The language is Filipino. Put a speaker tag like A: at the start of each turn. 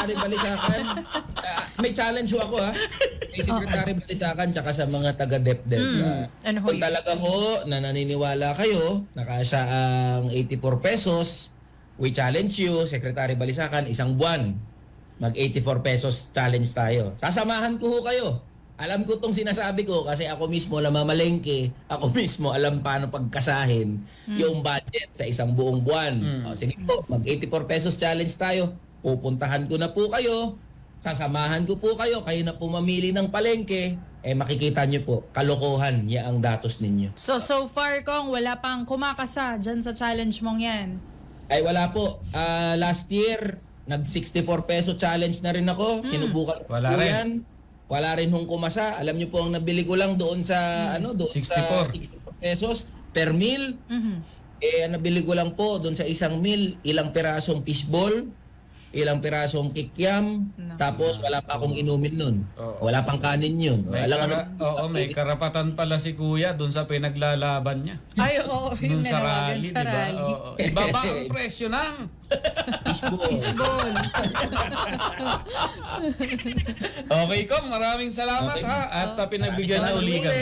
A: Secretary Balisacan. May challenge ho ako ha. Kay Secretary Balisacan tsaka sa mga taga-DepDep.
B: Ano ho
A: Kung
B: yun?
A: talaga ho na naniniwala kayo na kasya ang 84 pesos, we challenge you, Secretary Balisacan, isang buwan. Mag 84 pesos challenge tayo. Sasamahan ko ho kayo. Alam ko tong sinasabi ko kasi ako mismo namamalengke, ako mismo alam paano pagkasahin yung budget sa isang buong buwan. O, sige po, mag 84 pesos challenge tayo. Pupuntahan ko na po kayo, sasamahan ko po kayo, kayo na po mamili ng palengke, makikita nyo po, kalokohan niya ang datos ninyo.
B: So far, Kong, wala pang kumakasa dyan sa challenge mong yan.
A: Ay wala po, last year, nag 64 peso challenge na rin ako, sinubukan ko
C: Wala
A: po
C: rin.
A: yan. Wala rin hong kumasa. Alam niyo po ang nabili ko lang doon sa doon
C: 64
A: sa 64 pesos per meal. Ang nabili ko lang po doon sa isang meal, ilang pirasong fishball, ilang pirasong kikiam, tapos wala pa akong inumin nun.
C: Oo.
A: Wala pang kanin yun.
C: May karapatan pala si Kuya doon sa pinaglalaban niya.
B: Ay, oo.
C: Doon
B: Yung
C: sa
B: nanawagan
C: rally,
B: sa
C: di ba?
B: rally.
C: Oo. Ibaba ang presyo ng
A: fishball.
B: Fishball.
C: Okay, Kong. Maraming salamat
A: Okay.
C: ha. At pinagbigyan na
A: Maraming
C: uli
A: salamat.
C: kami.